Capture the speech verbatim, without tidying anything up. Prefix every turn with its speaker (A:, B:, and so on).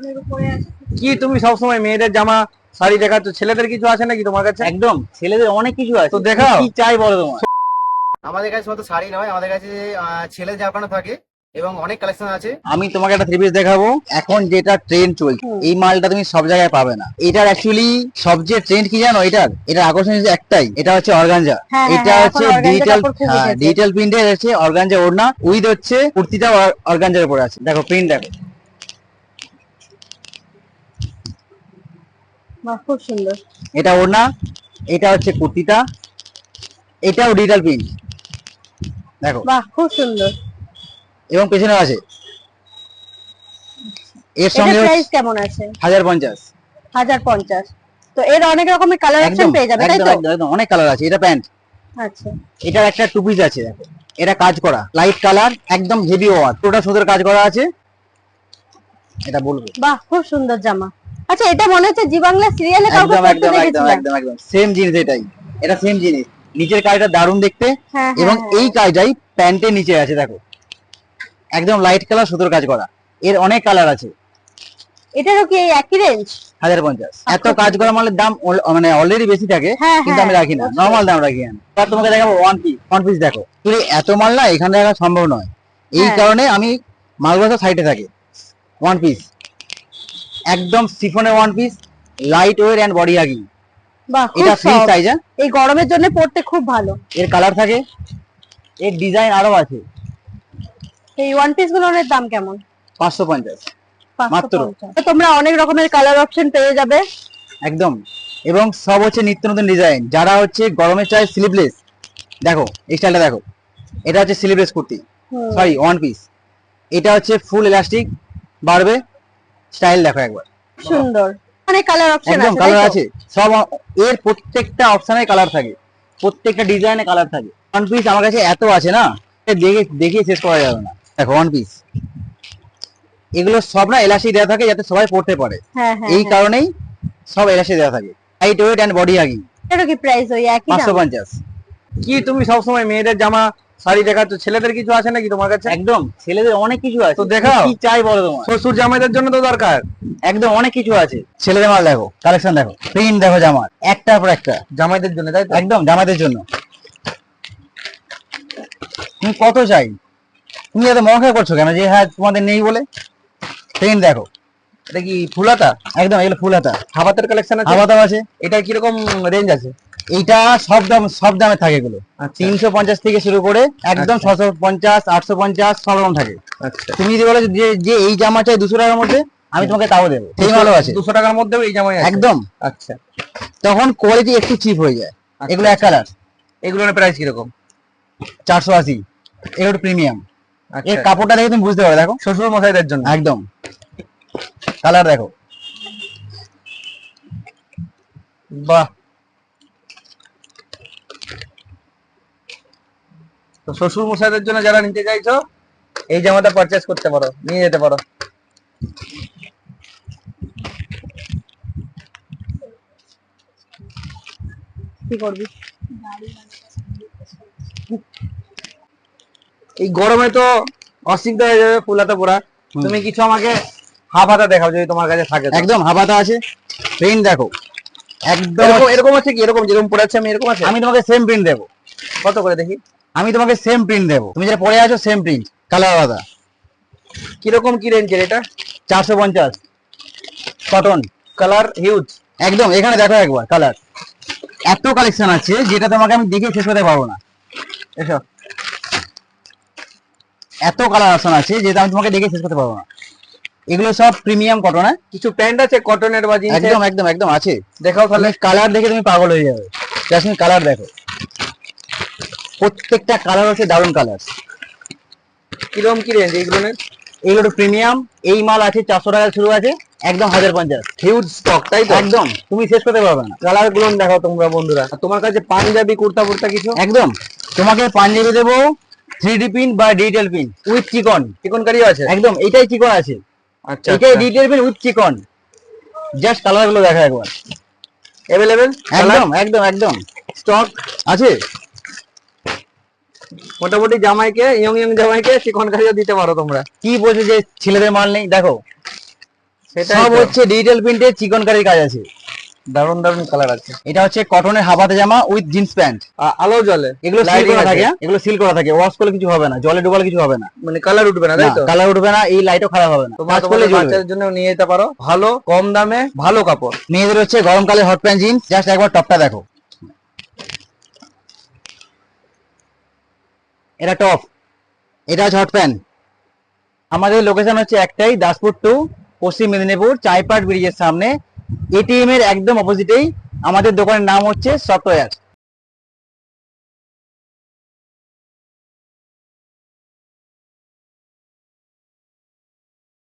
A: কি তুমি সবসময় মেয়েদের জামা শাড়ি দেখাচ্ছ, ছেলেদের কিছু আছে নাকি তোমার কাছে?
B: একদম, ছেলেদের অনেক কিছু আছে,
A: তো দেখাও।
B: কি চাই বলো তোমার?
C: আমাদের কাছে শুধু শাড়ি নয়, আমাদের কাছে আহ, ছেলে জামানো থাকে এবং অনেক কালেকশন আছে।
B: আমি তোমাকে একটা থ্রি পিস দেখাবো। এখন যেটা ট্রেন্ড চলছে, এই মালটা তুমি সব জায়গায় পাবে না। এটার অ্যাকচুয়ালি সবচেয়ে ট্রেন্ড কি জানো? এটার এটার আকর্ষণ হচ্ছে একটাই, এটা হচ্ছে অর্গানজা।
D: হ্যাঁ, হ্যাঁ,
B: এটা
D: হ্যাঁ,
B: হচ্ছে
D: এখন organza
B: ডিজিটাল,
D: কাপড় খুব
B: হ্যাঁ
D: উঠেছে।
B: ডিজিটাল প্রিন্টের হচ্ছে অর্গানজা ওড়না, উইথ হচ্ছে কুর্তিটা অর্গানজার উপরে আছে। দেখো প্রিন্ট দেখো,
D: বাহ, খুব সুন্দর।
B: এটা ওড়না, এটা হচ্ছে কুর্তিটা, এটাও ডিজিটাল প্রিন্ট দেখো,
D: বাহ, খুব সুন্দর।
B: এবং পেছনে আছে। এর
D: এটার
B: সঙ্গে
D: প্রাইস কেমন আছে?
B: হাজার পঞ্চাশ।
D: হাজার পঞ্চাশ। তো এর অনেক রকমের কালার অপশন
B: একদম
D: পেয়ে যাবে, তাই
B: একদম
D: তো?
B: একদম একদম, অনেক কালার আছে। এটা প্যান্ট,
D: আচ্ছা,
B: এটার একটা টু পিস আছে দেখো, এটা কাজ করা লাইট কালার, একদম হেভি ওয়ার্ক, পুরোটা সুতোর কাজ করা আছে। এটা বলবো,
D: বাহ, খুব সুন্দর জামা। আচ্ছা, এটা মনে হচ্ছে জি বাংলা সিরিয়ালে কাউকে
B: একদম
D: পরতে
B: একদম একদম
D: দেখেছিলাম।
B: একদম একদম সেম জিনিস এটাই, এটা সেম জিনিস। নিচের কাজটা দারুণ দেখতে,
D: হ্যাঁ,
B: এবং
D: হ্যাঁ,
B: এই
D: হ্যাঁ।
B: কাজটাই প্যান্টের নিচে আছে দেখো, একদম লাইট কালার সুতোর কাজ করা। এর অনেক কালার আছে।
D: এটারও কি এই একই রেঞ্জ?
B: হাজার পঞ্চাশ। এত
D: আচ্ছা,
B: কাজ করা মালের দাম অল- মানে অলরেডি বেশি থাকে,
D: হ্যাঁ,
B: কিন্তু আমি
D: হ্যাঁ,
B: রাখি না,
D: বুঝতে
B: নর্মাল দাম রাখি আমি। এবার তোমাকে দেখাবো ওয়ান পিস। ওয়ান পিস দেখো, তুমি এত মাল না এখানে রাখা সম্ভব নয়, এই
D: হ্যাঁ।
B: কারণে আমি মালগুলো সাইডে থাকে। ওয়ান পিস, একদম সিফনের one piece, light weight and body hugging.
D: বাহ, খুব
B: এটা ফ্রি
D: soft।
B: সাইজ,
D: এই গরমের জন্য পরতে খুব ভালো।
B: এর কালার থাকে, এর ডিজাইন আরো আছে।
D: এই ওয়ান পিস গুলোর দাম কেমন?
B: পাঁচশো পঞ্চাশ মাত্র।
D: পাঁচশো পঞ্চাশ। তো তোমরা অনেক রকমের কালার অপশন পেয়ে যাবে।
B: একদম, এবং সব হচ্ছে নিত্য নতুন ডিজাইন। যারা হচ্ছে গরমে চাই স্লিভলেস, দেখো এই স্টাইলটা দেখো, এটা হচ্ছে স্লিভলেস কুর্তি,
D: হুম।
B: Sorry one piece. এটা হচ্ছে ফুল ইলাস্টিক বাড়বে, স্টাইল দেখো একবার,
D: সুন্দর। অনেক কালার অপশন
B: একদম
D: আছে,
B: কালার
D: তাই তো?
B: আছে সব। এর প্রত্যেকটা অপশনে কালার থাকে, প্রত্যেকটা ডিজাইনে কালার থাকে। ওয়ান পিস আমার কাছে এত আছে না, দেখে দেখে শেষ করা যাবে না। দেখো ওয়ান পিস, এগুলো সব না এলাস্টিক দেওয়া থাকে যাতে সবাই পড়তে পারে,
D: হ্যাঁ, হ্যাঁ,
B: এই
D: হ্যাঁ।
B: কারণেই সব এলাস্টিক দেওয়া থাকে। Light weight and body hugging.
D: এটারও কি প্রাইস ওই একই
B: পাঁচশো
D: দাম?
B: পঞ্চাশ।
A: কি তুমি সবসময় মেয়েদের জামা শাড়ি দেখাচ্ছ, ছেলেদের কিছু আছে নাকি তোমার কাছে?
B: একদম, ছেলেদের অনেক কিছু আছে,
A: তো দেখাও।
B: কি চাই বলো তোমার?
A: শ্বশুর জামাইদের জন্য তো দরকার।
B: একদম অনেক কিছু আছে। ছেলেদের মাল দেখো, কালেকশন দেখো, প্রিন্ট দেখো জামার একটার পর একটা,
A: জামাইদের জন্য, তাই তো?
B: একদম জামাইদের জন্য। তুমি কত চাই? তুমি এত মন খারাপ করছো কেন যে হ্যাঁ তোমাদের নেই বলে? প্রিন্ট দেখো,
A: এটা কি ফুলাতা?
B: একদম এগুলো ফুল হাতা,
A: হাবাতের কালেকশন আছে?
B: হাওয়া দাম আছে।
A: এটা কিরকম রেঞ্জ আছে?
B: এইটা সব দাম, সব দামে থাকে এগুলো।
A: আচ্ছা।
B: তিনশো পঞ্চাশ থেকে শুরু করে একদম
A: আচ্ছা।
B: ছশো পঞ্চাশ, আটশো পঞ্চাশ, সব রকম থাকে।
A: আচ্ছা,
B: তুমি যদি বলো যে যে এই জামা চাই দুশো টাকার মধ্যে, আমি তোমাকে তাও দেবো, সেই মালও আছে
A: দুশো টাকার মধ্যেও এই জামাই আছে?
B: একদম।
A: আচ্ছা।
B: তখন কোয়ালিটি একটু চিপ হয়ে যায়।
A: আচ্ছা।
B: এগুলো এক কালার,
A: এগুলোর প্রাইস কিরকম?
B: চারশো আশি। এগুলো প্রিমিয়াম।
A: আচ্ছা।
B: এর কাপড়টা দেখে তুমি বুঝতে পারো, দেখো
A: শ্বশুর মশাইদের জন্য
B: একদম। কালার দেখো,
A: বাহ। তো শ্বশুর মশাইদের জন্য যারা নিতে চাইছো, এই জামাটা পারচেজ করতে পারো, নিয়ে যেতে পারো।
D: কি করবি?
A: এই গরমে তো অসুবিধা হয়ে যাবে ফুলাতে পরা।
B: হুম।
A: তুমি কিছু আমাকে হাফ হাতা দেখাও যদি তোমার কাছে থাকে তো।
B: একদম হাবাতা আছে। প্রিন্ট দেখো, একদম
A: এরকম এরকম আছে কি? এরকম যেরকম পরে আছে আমি এরকম আছে?
B: আমি তোমাকে সেম প্রিন্ট দেবো।
A: কত করে দেখি?
B: আমি তোমাকে সেম প্রিন্ট দেবো, তুমি যেটা পরে আছো সেম প্রিন্ট, কালার আলাদা।
A: কিরকম কি রেঞ্জের এটা?
B: চারশো পঞ্চাশ, কটন,
A: কালার হিউজ।
B: একদম। এখানে দেখো একবার কালার, এত কালেকশন আছে যেটা তোমাকে আমি দেখে শেষ করতে পারবো না।
A: এসো।
B: এত কালার অপশন আছে যেটা আমি তোমাকে দেখে শেষ করতে পারবো না। এগুলো সব প্রিমিয়াম কটন। হ্যাঁ
A: কিছু প্যান্ট আছে কটনের বা জিন্সের?
B: একদম একদম একদম আছে।
A: দেখাও তাহলে।
B: কালার দেখে তুমি পাগল হয়ে যাবে। জাসমিন কালার দেখো, প্রত্যেকটা কালার হচ্ছে দারুণ কালার।
A: কিরকম কি রেঞ্জ এইগুলোর?
B: এগুলো প্রিমিয়াম। এই মাল আছে চারশো টাকা শুরু আছে, একদম হাজার পঞ্চাশ।
A: হিউজ স্টক, তাই তো?
B: একদম, তুমি শেষ করতে পারবে না।
A: কালার গুলো দেখাও তোমরা বন্ধুরা। আর তোমার কাছে পাঞ্জাবি কুর্তা ফুর্তা কিছু?
B: একদম, তোমাকে পাঞ্জাবি দেবো থ্রি ডি প্রিন্ট বা ডিজিটাল প্রিন্ট উইথ চিকন।
A: চিকনকারিও আছে?
B: একদম, এটাই চিকন আছে,
A: আচ্ছা।
B: এটাই digital print with chikan. Just colour গুলো দেখা একবার।
A: অ্যাভেলেবেল?
B: একদম একদম একদম
A: স্টক
B: আছে।
A: মোটামুটি জামাইকে, ইয়ং ইয়ং জামাইকে চিকনকারিও দিতে পারো তোমরা।
B: কি বলছো যে ছেলেদের মাল নেই? দেখো
A: সেটাই
B: সব
A: তো।
B: হচ্ছে ডিজিটাল প্রিন্টের চিকনকারির কাজ আছে।
A: দারুণ দারুণ কালার আছে।
B: এটা হচ্ছে কটনের হাফাতে জামা উইথ জিন্স প্যান্ট।
A: আ- আলো জ্বলে,
B: এগুলো সিল
A: Lighting
B: করা
A: আছে।
B: থাকে, এগুলো সিল করা থাকে, ওয়াশ করলে কিছু হবে না, জলে ডুবালে কিছু হবে না,
A: মানে কালার উঠবে না, তাই তো?
B: কালার উঠবে না, এই লাইটও খারাপ হবে না,
A: তোমরা
B: কাজ করলে
A: তোমাদের
B: জ্বলবে।
A: বাচ্চাদের জন্য নিয়ে যেতে পারো, ভালো কম দামে ভালো কাপড়।
B: মেয়েদের হচ্ছে গরমকালে হট প্যান্ট জিন্স, জাস্ট একবার টপটা দেখো, এটা টপ, এটা হচ্ছে হট প্যান্ট। আমাদের লোকেশন হচ্ছে একটাই, দাসপুর টু পশ্চিম মেদিনীপুর, চাইপাট ব্রিজের সামনে, এটিএম এর একদম অপোজিটেই আমাদের দোকানের নাম হচ্ছে সফটওয়্যার।